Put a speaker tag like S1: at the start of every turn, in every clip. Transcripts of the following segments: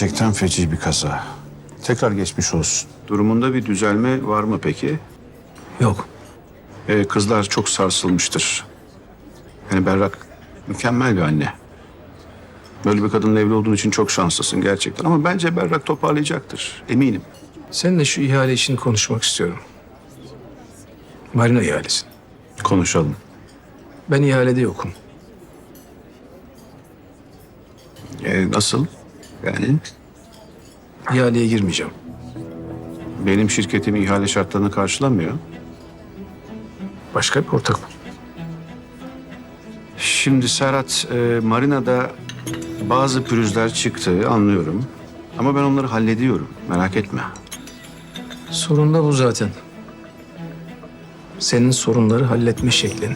S1: Gerçekten feci bir kaza. Tekrar geçmiş olsun. Durumunda bir düzelme var mı peki?
S2: Yok.
S1: Kızlar çok sarsılmıştır. Yani Berrak mükemmel bir anne. Böyle bir kadınla evli olduğun için çok şanslısın gerçekten. Ama bence Berrak toparlayacaktır. Eminim.
S2: Seninle şu ihale işini konuşmak istiyorum. Marina ihalesi.
S1: Konuşalım.
S2: Ben ihalede yokum.
S1: Nasıl? Yani
S2: İhaleye girmeyeceğim.
S1: benim şirketim ihale şartlarını karşılamıyor.
S2: Başka bir ortak bul.
S1: Şimdi Serhat, marinada bazı pürüzler çıktı anlıyorum. Ama ben onları hallediyorum. Merak etme.
S2: Sorun da bu zaten. Senin sorunları halletme şeklin.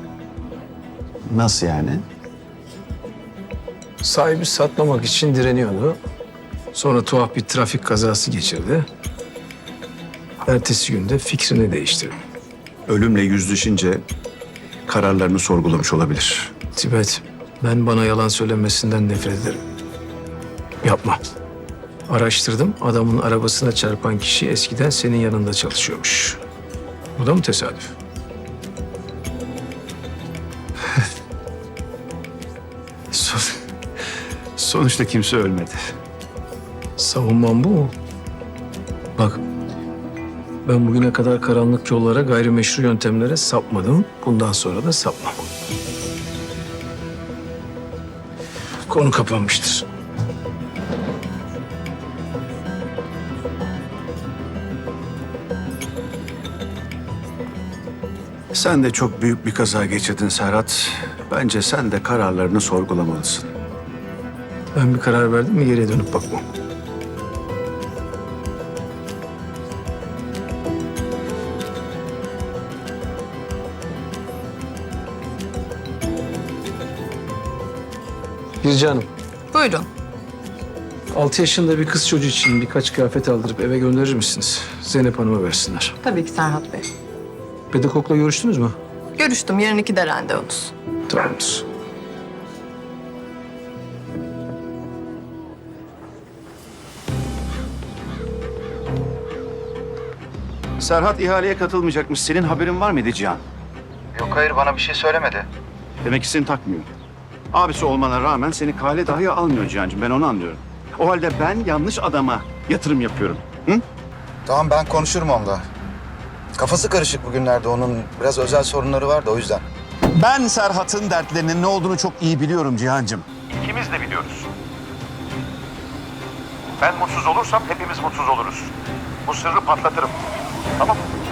S1: Nasıl yani?
S2: Sahibi satmamak için direniyordu. Sonra tuhaf bir trafik kazası geçirdi. Ertesi günde fikrini değiştirdi.
S1: Ölümle yüzleşince kararlarını sorgulamış olabilir.
S2: Tibet, ben bana yalan söylemesinden nefret ederim. Yapma. Araştırdım, adamın arabasına çarpan kişi eskiden senin yanında çalışıyormuş. Bu da mı tesadüf?
S1: Sonuçta kimse ölmedi.
S2: Savunmam bu mu? Bak, ben bugüne kadar karanlık yollara, gayrimeşru yöntemlere sapmadım. Bundan sonra da sapmam. Konu kapanmıştır.
S1: Sen de çok büyük bir kaza geçirdin Serhat. Bence sen de kararlarını sorgulamalısın.
S2: Ben bir karar verdim mi geriye dönüp bakmam. Birce Hanım,
S3: Buyurun.
S2: 6 yaşında bir kız çocuğu için birkaç kıyafet aldırıp eve gönderir misiniz? Zeynep Hanım'a versinler.
S3: Tabii ki Serhat Bey.
S2: Pedagogla görüştünüz mü?
S3: Görüştüm. Yarın 2'de randevunuz.
S2: Tamamdır.
S1: Serhat ihaleye katılmayacakmış. Senin haberin var mıydı Cihan?
S4: Yok hayır bana bir şey söylemedi.
S1: Demek ki seni takmıyor. Abisi olmana rağmen seni kale dahi almıyor Cihan'cığım. Ben onu anlıyorum. O halde ben yanlış adama yatırım yapıyorum. Hı?
S4: Tamam ben konuşurum onunla. Kafası karışık bugünlerde onun biraz özel sorunları var da o yüzden.
S1: Ben Serhat'ın dertlerinin ne olduğunu çok iyi biliyorum Cihan'cığım.
S5: İkimiz de biliyoruz. Ben mutsuz olursam hepimiz mutsuz oluruz. Bu sırrı patlatırım. Tamam mı?